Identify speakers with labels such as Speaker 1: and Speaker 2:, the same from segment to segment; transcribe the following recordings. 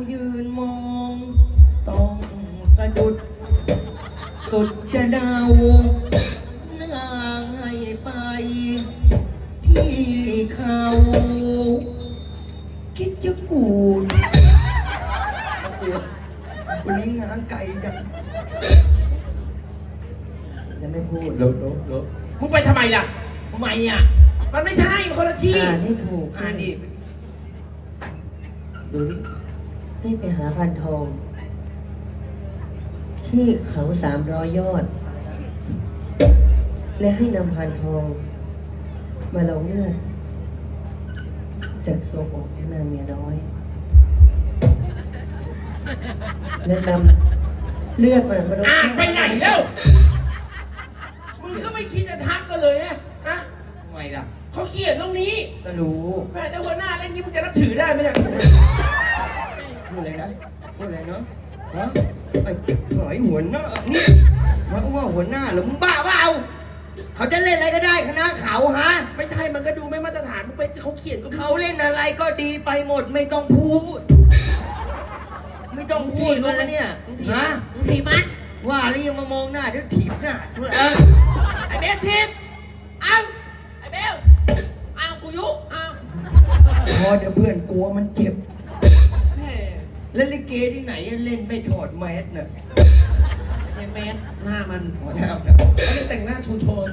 Speaker 1: ยืนมองต้องสะดุดสุดจะเดาหน้าให้ไปที่เขาคิดจะกูดวันนี้งานไก่จังยังไม่พูด
Speaker 2: ลบมึงไปทำไมล่ะ
Speaker 1: ทำไมอ่ะ
Speaker 2: มันไม่ใช่คนละที่
Speaker 1: อ่านให้ถูก
Speaker 2: อ่านดิ
Speaker 1: ดูดิให้ไปหาพันทองที่เขา300 ยอดและให้นำพันทองมาลงเลือดจากโซโอกของนางเมียน้อยและนำเลือดมาลง
Speaker 2: อ่านไปไหนแล้วมึงก็ไม่คิดจะทักกันเลยนะ
Speaker 1: ทำไมล่ะ
Speaker 2: เขาเขียนตรงนี้
Speaker 1: ก็รู้
Speaker 2: แม่แล้วหัวหน้าเล่นนี้มึงจะนับถือได้ไหมเนี่ย
Speaker 1: พูดอะไรนะพูดอะไรเนาะฮะไอ้หอยหัวหน้านี่ว่าหัวหน้าหรือมึงบ้าเปล่าเขาจะเล่นอะไรก็ได้คณะเขาฮะ
Speaker 2: ไม่ใช่มันก็ดูไม่มาตรฐานมึงไปเขาเขียนก็
Speaker 1: เขาเล่นอะไรก็ดีไปหมดไม่ต้องพูดไม่ต้องพูดรู้ไหมเนี่ยฮะ
Speaker 2: ถีบมัน
Speaker 1: ว่าแล้วยังมามองหน้าเดี๋ยวถีบหน้า
Speaker 2: ไอ้เบลทีบเอาไอ้เบลเอากูยุเอา
Speaker 1: พอเดี๋ยวเพื่อนกลัวมันเจ็บแล้วลิเกที่ไหนเล่นไม่ถอดแมสน่ะ
Speaker 2: ไม่ใช่แมสหน้ามัน
Speaker 1: หัวหน้า
Speaker 2: เขาจะแต่งหน้าทูโทน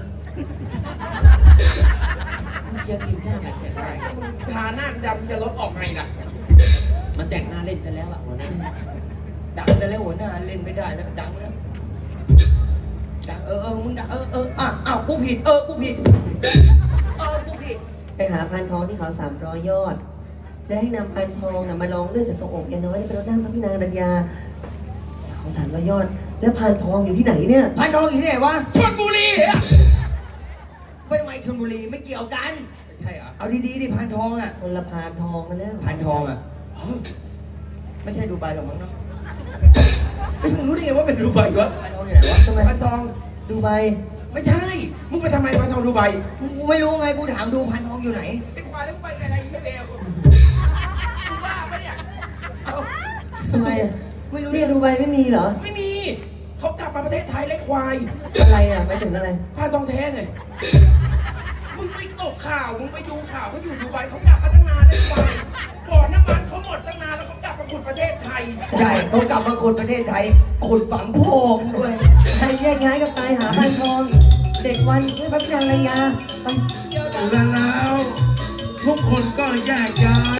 Speaker 2: เชียร์ทีมชาติแบบจะได้ทาหน้าดำจะลดออกไงล่ะมันแต่งหน้าเล่นจะแล้วอ่ะหัวหน้า
Speaker 1: ดังแต่แล้วหัวหน้าเล่นไม่ได้แล้วดังแล้วดังมึงดังอ้าวกูผิดกูผิดกูผิดไปหาพันทองที่เขา300 ยอดและให้นำพันทองมาลองเลือดจากทรงอกยาน้อยเป็นรถน้ำพระพี่นางรัญญาเขา300 ยอดแล้วพันทองอยู่ที่ไหนเนี่ยพันทองอยู่ที่ไหนวะ
Speaker 2: ชลบุรีอ่ะ
Speaker 1: ไปทำไมชลบุรีไม่เกี่ยวกัน
Speaker 2: ใช่เหรอ
Speaker 1: เอาดีๆดิพันทองอ่ะ
Speaker 3: คนละพานทองกันแล้ว
Speaker 1: พันทองอ่ะไม่ใช่ดูไบหรอกมั้งเนาะ
Speaker 2: มึงรู้ได้ไงว่าเป็นดูไบวะ
Speaker 1: พันทองอยู่ไหนวะ
Speaker 3: ทำไม
Speaker 2: พันทอง
Speaker 3: ดูไบ
Speaker 2: ไม่ใช่มึงไปทำไมพันทองดูไบ
Speaker 1: กูไม่รู้ไงกูถามดูพันทองอยู่ไหน
Speaker 2: ไอ้ควายแล้วไปอะไรไม่เบลมึงบ้าปะเนี่ย
Speaker 3: ทำไมไม่รู้ที่ดูไบไม่มีเหรอ
Speaker 2: ไม่มีเขากลับมาประเทศไทยไล่ควาย
Speaker 3: อะไรอ่ะไม่ถึงอะไร
Speaker 2: พันทองแท้ไงมึงไปตกข่าวมึงไปดูข่าวเขาอยู่ดูไบเขากลับมาตั้งนานไล่ควายบ่อน้ำมันเขาหมดตั้งนานแล้วเขากลับมาขุดประเทศไทย
Speaker 1: ใช่เขากลับมาขุดประเทศไทยขุดฝังโพงด้วย
Speaker 3: ใครแยกย้ายกับตายหาพันทองเด็กวันไม่พระพี่นางรัญญาไป
Speaker 2: แล้วทุกคนก็แยกย้าย